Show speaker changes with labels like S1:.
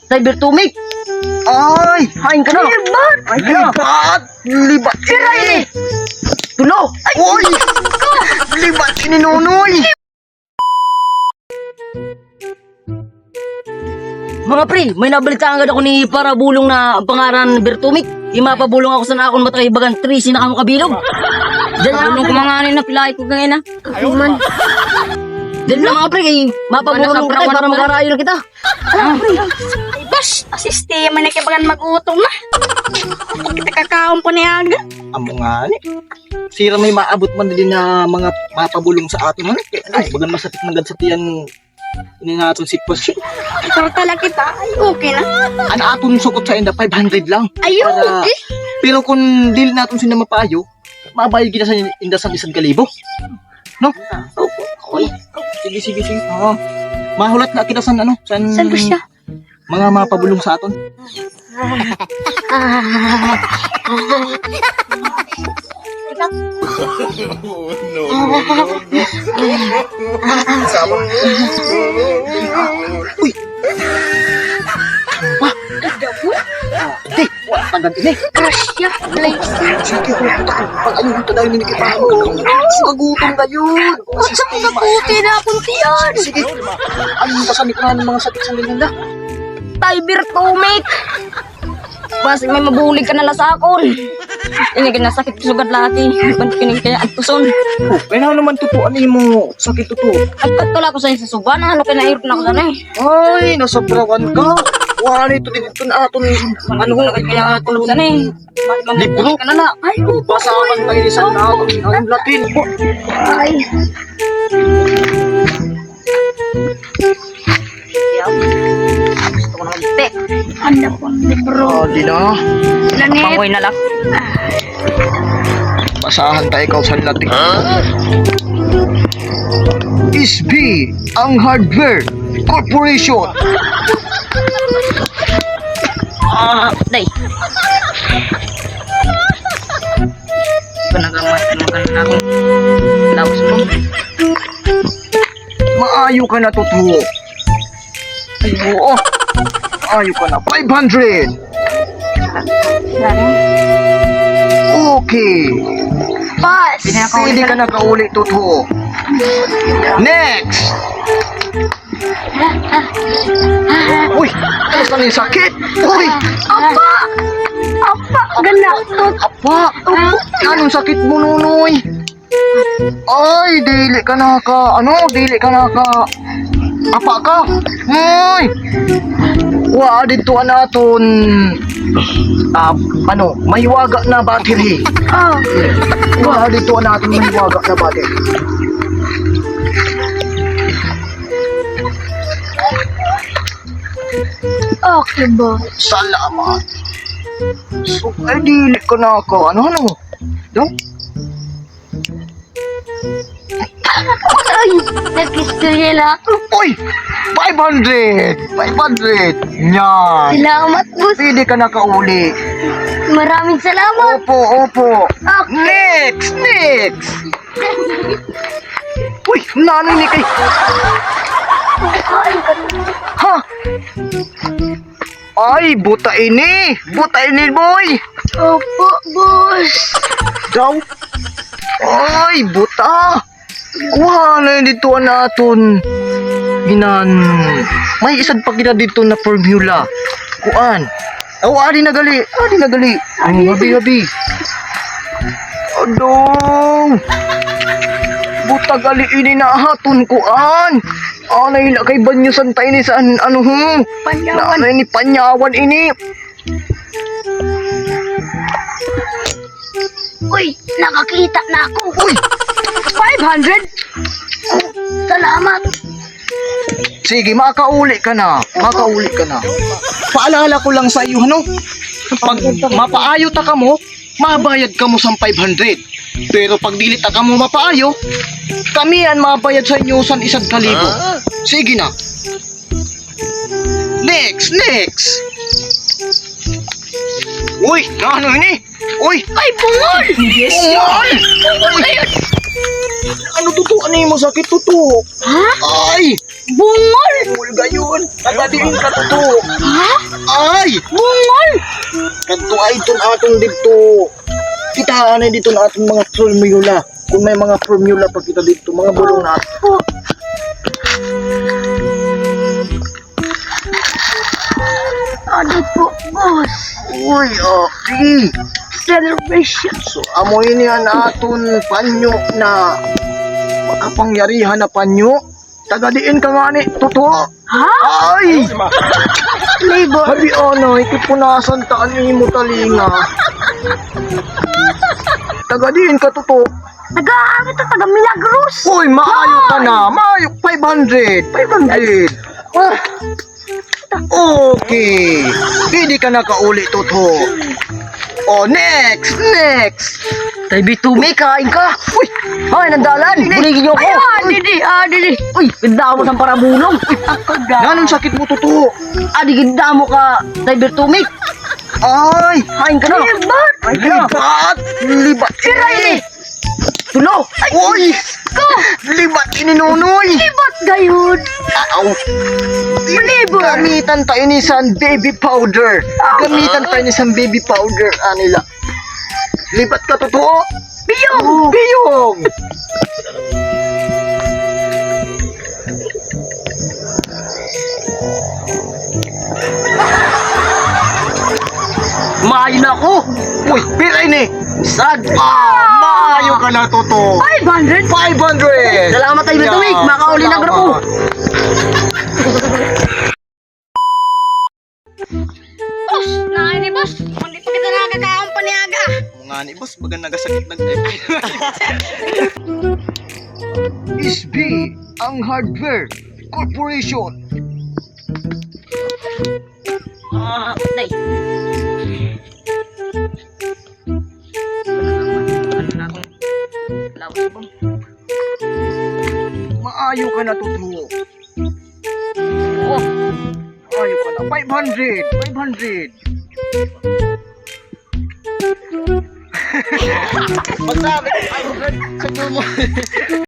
S1: Cyber Tumik. Ay, hain ka na.
S2: Libat!
S1: Ay, libat. Libat.
S2: Si Riley!
S1: Tulo. Uy, libat si Nunoy. Mga pre, may nabalitaan agad ako ni Parabulong na pangaran Bertumik. Imapabulong ako sa nakakon matay bagan 3 sinakamo kabilog. Diyan na bulong kumanganin na pilay ko ganyan na.
S2: Man.
S1: Diyan na mga pre, mapabulong tayo para magkarayo na kita.
S2: Ay, bas! Asistema na kabagan mag-utong na. Kita kakaon po niya aga.
S3: Amo nga ni. Sira may maabot man din na mga mapabulong sa atin. Ay, bagan masakit man gad sa tiyan. Ini na aton sitwasyon.
S2: Pero talaga kita, ay okay na.
S3: Ano aton sukot sa inda 500 lang.
S2: Ayun!
S3: Para-
S2: Eh!
S3: Pero kung dili natin sila mapayo, mabayad kita sa inda sa 1,000. No?
S2: Uy,
S3: Sige. Oo. Mahulat na kita sa ano?
S2: saan ba siya?
S3: Mga mapabulong sa aton. Uy! Hindi! Tagan ini!
S2: Crush siya.
S3: Sige, pag ayun ito dahil ninikipaham ka lang. Magutom ka yun!
S2: Saan ka puti na puntiyan?
S3: Sige! Ayun pa sa nikunan ng mga sakit sa linda.
S2: Cyber Tumik! Bas, may mabulig ka na lasakon. Ini ginasakit ko sugad laki. Bantikin kaya agtuson.
S3: Oh, kaya na naman tutuan mo. Sakit tuto.
S2: Agpatula ko sa isa suban. Ano ka na na ako sana eh.
S3: Ay, nasobrawan ka. Wala ito dito na aton.
S2: Ano ko na kaya tulog sana eh.
S3: Libro?
S2: Ka na na. Ay,
S3: Basahan tayo ni San Naton. Ang Latin.
S2: ay. Gusto ko na magte. Handa po ang libro.
S3: Ah, di na.
S2: Lanit.
S1: Pangoy na lang.
S3: Basahan tayo ikaw sa Latin. SB, ang Hardware Corporation.
S2: Day. Panagamat na ako. Lawas mo.
S3: Maayo ka na totoo. Ay, oo. Maayo ka na. 500. Okay.
S2: Pass.
S3: Pwede ka na kauli totoo. Next. Uy, alas na yung sakit. Uy,
S2: Apa! Apa! Ganda!
S3: apa. Anong sakit mo, Nunoy? Ay, dili ka na ka. Dili ka na ka. Apa ka? Uy. Wa, dito naton. Mahiwaga na battery.
S2: Oh!
S3: Wa, dito natin mahiwaga na battery.
S2: Okay ba?
S3: Salamat. So, ay, dili ka na ka. Ano? No?
S2: Ay! Nag-istorya na ako.
S3: Uy! 500! 500! Yan!
S2: Salamat, boss.
S3: Pwede ka na kauli.
S2: Maraming salamat.
S3: Opo.
S2: Okay.
S3: Next! Uy! Nanay ni kay... Ha? Ay, buta ini! Buta ini, boy!
S2: Opo, boss.
S3: Daw? Ay, buta! Wala dito naton. Ginan. May isad pa kita dito na formula. Kuan. Adi na gali. Habi. Aduh. Buta gali ini na haton kuan. Anay na kay banyo santay ni saan
S2: Panyawan.
S3: Nanay ni panyawan ini.
S2: Uy, nakakita na ako.
S3: Uy,
S2: 500? Salamat.
S3: sige, makauli ka na. Paalala ko lang sa iyo, pag mapaayo ta ka mo, mabayad ka mo sa 500. Pero pag dilit ta ka mo mapaayo, kami yan mabayad sa inyo sa 1,000. Sige na. Next. Uy, ano ini? Uy,
S2: Ay, bungol!
S3: yes.
S2: Bungol na yun!
S3: Ano totoo? Ano yung masakit totoo?
S2: Ha?
S3: Ay,
S2: Bungol!
S3: ulga yun. Nagadiin ka totoo.
S2: Ha? Bungol!
S3: Kadto ay itong atong dito. Kitaan na dito na atong mga formula. Kung may mga formula pa kita dito, mga bulong na ato.
S2: Ano po, boss?
S3: Uy, okay.
S2: Celebration.
S3: So, amoy niya na aton panyo na makapangyarihan na panyo. Tagadiin ka nga ni, totoo.
S2: Ha?
S3: Ay!
S2: Flavor.
S3: Habi ano, ikipunasan taan ni mo talinga. Tagadiin ka, totoo.
S2: Taga-ano to? Taga-Milagros.
S3: Uy, maayo ka na. Maayo, 500. 500. Ah. Okay. Hindi ka nakauli, totoo. Oh, next.
S1: Tay Birtumik, kain ka. Uy, ay, nandalan. Buligin niyo ako.
S2: Didi.
S1: Uy, ganda mo sa parabulong. Uy,
S3: Ganong sakit mo, totoo.
S1: adi ganda mo ka, Tay Birtumik.
S3: Ay,
S1: Kain ka na.
S2: Libat.
S1: Kain ka na.
S3: libat.
S2: Siray.
S1: Tulo.
S3: Uy, libat ini nunoy.
S2: Libat gayud.
S3: Aw.
S2: Flavor.
S3: Gamitan tayo ni san baby powder. Gamitan tayo ni san baby powder, anila. Libat ka, totoo.
S2: Biyong.
S3: Biyong.
S1: Maayo na ako.
S3: Uy, piray ni.
S1: Sad.
S3: Maayo ka na, totoo.
S2: 500.
S3: 500.
S1: Salamat, Tay Birtumik. Makauli na grupo.
S2: Boss, naay ni boss. Hindi pa kita nakakaon paniaga.
S3: Mga ni boss, baga nagasakit ng SB, ang hardware corporation.
S1: Tay.
S3: Maayo ka na, totoo.
S1: Oh,
S3: Maayo ka na. 500. 500. Magsabi, 500 sa tumo.